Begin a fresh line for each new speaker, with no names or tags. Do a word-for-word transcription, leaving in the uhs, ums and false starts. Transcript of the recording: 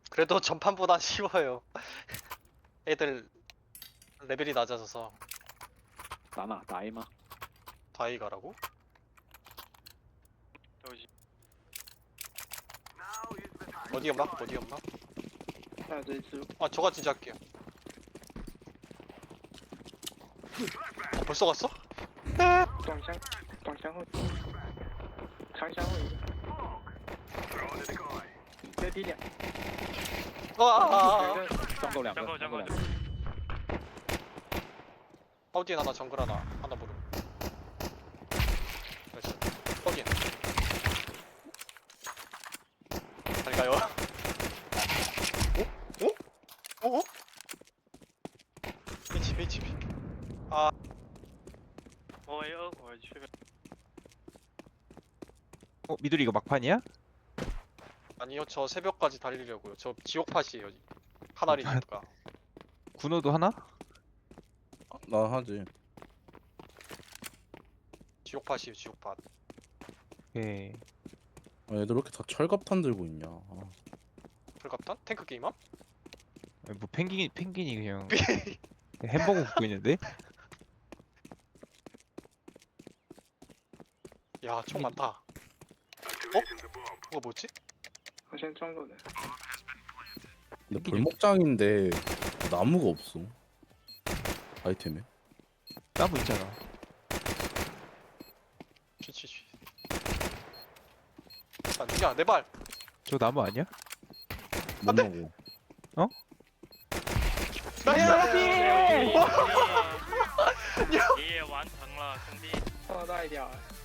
그래도 전판보단 쉬워요. 애들 레벨이 낮아져서.
打哪打 A 吗？
다이 가라고? 어디 연막? 어디 연막?
还有这一只，
아 저가 진짜 할게요. 어, 벌써 갔어?
短箱，短箱后，长箱后一个，这个低点，
아, 아,
有
아,
一个
撞够两个，
相扣相扣
撞够两个。
파우딘 하나 정글 하나 하나 모르. 나이스. 파우딘. 잘 가요. 오? 오? 오? 오? H P H P. 아
我 A 二我去
어 미들이 이거 막판이야?
아니요 저 새벽까지 달리려고요. 저 지옥팟이에요. 하나리니까.
군호도 하나?
나 하지.
지옥팟이에요 지옥팟.
오케이.
아, 애들 왜 이렇게 다 철갑탄 들고 있냐. 아,
불갑탄? 탱크 게임함?
아니, 뭐 펭귄이 펭귄이 그냥 햄버거 굽고 있는데?
야 총 많다. 어? 그거 뭐지?
好像撞过的，
근데 벌목장인데 나무가 없어. 아이템에.
나무 있잖아.
취취취. 아, 야, 내 발.
저 나무 아니야?
못 먹어.
나이스.
你也完成了，兄弟。
爆大一条，